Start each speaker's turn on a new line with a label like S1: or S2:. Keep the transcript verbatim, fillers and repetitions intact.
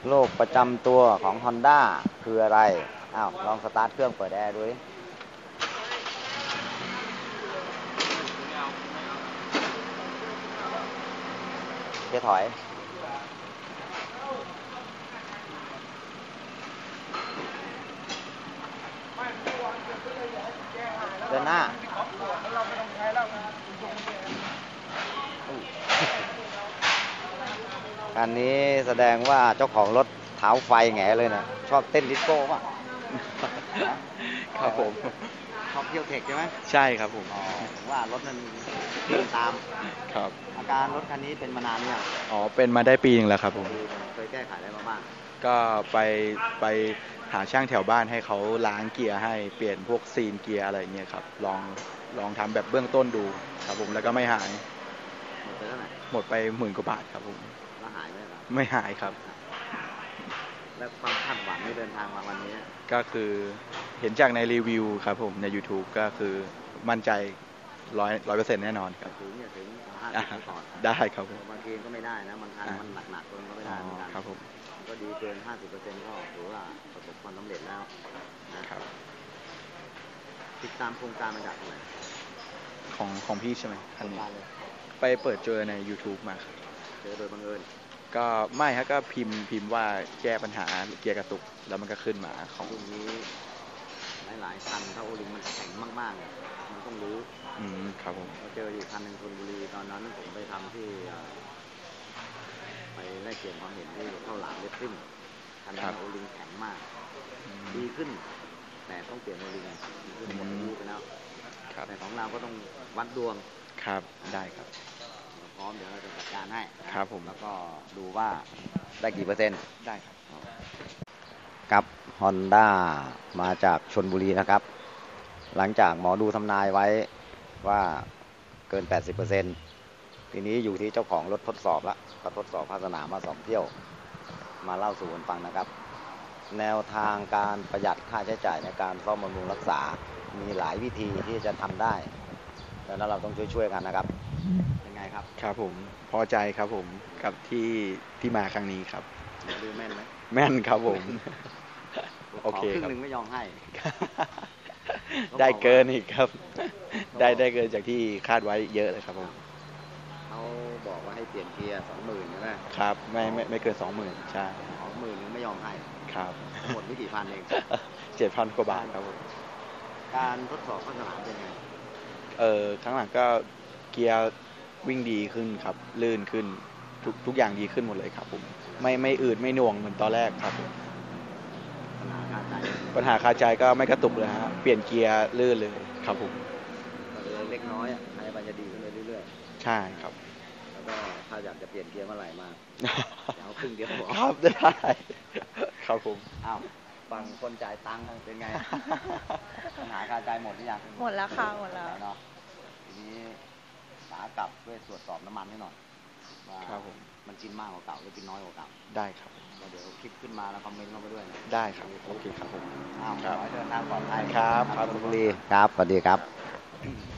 S1: โรคประจำตัวของ Honda คืออะไรอ้าวลองสตาร์ทเครื่องเปิดแอร์ดูดิเกียร์ถอยเดินหน้าอันนี้แสดงว่าเจ้าของรถเท้าไฟแง่เลยนะชอบเต้นดิสโก้ป่ะ
S2: ครับผม
S1: ชอบเที่ยวเทคใช่ไหม
S2: ใช่ครับผม
S1: อ๋อว่ารถมันวิ่งตาม
S2: ครับ
S1: อาการรถคันนี้เป็นมานานเนี่ย
S2: อ๋อเป็นมาได้ปีนึงแล้วครับผม
S1: เคยแก้ไขอะไรมาบ้าง
S2: ก็ไปไปหาช่างแถวบ้านให้เขาล้างเกียร์ให้เปลี่ยนพวกซีนเกียร์อะไรเงี้ยครับลองลองทำแบบเบื้องต้นดูครับผมแล้วก็ไม่หาย
S1: หมดไปเท่าไหร่
S2: หมดไปหมื่นกว่าบาทครับผม
S1: แล้วหายไหมครับ
S2: ไม่หายครับ
S1: แล้วความคาดหวังที่เดินทางมาวันนี้
S2: ก็คือเห็นจากในรีวิวครับผมใน YouTube ก็คือมั่นใจร้อยร้อยเปอร์เซ็นต์แน่นอนครับ
S1: ถึงเนี่ยถึงห้าสิบก่อน
S2: ได้ครับผม
S1: บางทีก็ไม่ได้นะบางครั้งมันหนักๆคนก็ไม่ได้เหมือนกัน
S2: ครับผม
S1: ก็ดีเกินห้าสิบเปอร์เซ็นต์ก็ถือว่าประสบความสำเร็จแล้ว
S2: นะครับ
S1: ติดตามโครงการมาจากไหน
S2: ของของพี่ใช่ไหมอันนี้ไปเปิดเจอใน YouTube มาครับ
S1: เจอโดยบังเอิญ
S2: ก็ไม่ฮะก็พิมพ์พิมพ์ว่าแก้ปัญหาเกียร์กระตุกแล้วมันก็ขึ้นมาของ
S1: รุ่นนี้หลายๆคันถ้าโอลิงมันแข็งมากๆมันต้องรู้
S2: อืมครับผม
S1: เราเจออยู่คันหนึ่งชลบุรีตอนนั้นผมไปทำที่ไปแลกเปลี่ยนความเห็นที่เข้าหลามเลสซิ่งคันนั้นโอลิงแข็งมากดีขึ้นแต่ต้องเปลี่ยนโอลิงดีขึ้นหมดอายุไปแล้วแต่ของเราก็ต้องวัดดวง
S2: ครับได้ครับ
S1: พร้อมเดี๋ยวเราจะจัดการให้
S2: ครับผม
S1: แล้วก็ดูว่าได้กี่เปอร์เซ็นต์
S2: ได้ครับ
S1: กับ Honda มาจากชลบุรีนะครับหลังจากหมอดูทำนายไว้ว่าเกิน แปดสิบเปอร์เซ็นต์ ทีนี้อยู่ที่เจ้าของรถทดสอบแล้วก็ทดสอบภาคสนามมาสองเที่ยวมาเล่าสู่กันฟังนะครับแนวทางการประหยัดค่าใช้จ่ายในการซ่อมบำรุงรักษามีหลายวิธีที่จะทำได้ดังนั้นเราต้องช่วยๆกันนะครับเป็นไงครับ
S2: ครับผมพอใจครับผมกับที่ที่มาครั้งนี้ครับ
S1: ดูแม่นไหม
S2: แม่นครับผม
S1: โอเคครึ่งหนึ่งไม่ยอมให้
S2: ได้เกินอีกครับได้ได้เกินจากที่คาดไว้เยอะเลยครับผม
S1: เขาบอกว่าให้เปลี่ยนเกียร์สองหมื่นใช่ไหม
S2: ครับไม่ไม่ไม่เกินสองหมื่นใช่
S1: สองหมื่นนึงไม่ยอมให้
S2: ครับ
S1: หมดไม่กี่พันเอง
S2: เจ็ดพันกว่าบาทครับผม
S1: การทดสอบภาคสนามเป็นไง
S2: เออครั้งหลังก็เกียร์วิ่งดีขึ้นครับลื่นขึ้นทุกทุกอย่างดีขึ้นหมดเลยครับผมไม่ไม่อืดไม่หน่วงเหมือนตอนแรกครับผม
S1: ปัญหาคาใจ
S2: ปัญหาคาใจก็ไม่กระตุกเลยฮะเปลี่ยนเกียร์ลื่นเลยครับผม
S1: เล็กน้อยอ่ะให้มันจะดีขึ้นเรื่อย
S2: ๆใช่ครับ
S1: แล้วก็ถ้าอยากจะเปลี่ยนเกียร์เมื่อไหร่มาเอาครึ่งเดียวพอ
S2: ครับได้ครับผม
S1: อ้าวฝั่งคนจ่ายตังค์เป็นไงปัญหาคาใจหมดหรือยัง
S3: หมดแล้วค่ะหมดแล้ว
S1: เนาะทีนี้ขากลับด้วยตรวจสอบน้ำมันให้หน่อยว่ามันกินมากกว่าเก่าหรือกินน้อยกว่าเก่า
S2: ได้ครับ
S1: เดี๋ยวคลิปขึ้นมาแล้วคอมเมนต์เข้าไปด้วย
S2: ได้ครับโอเคครับผม
S1: อ้าวขอให้เดินทางปลอดภัย
S2: ครับครับ
S1: คุณบุรีครับสวัสดีครับ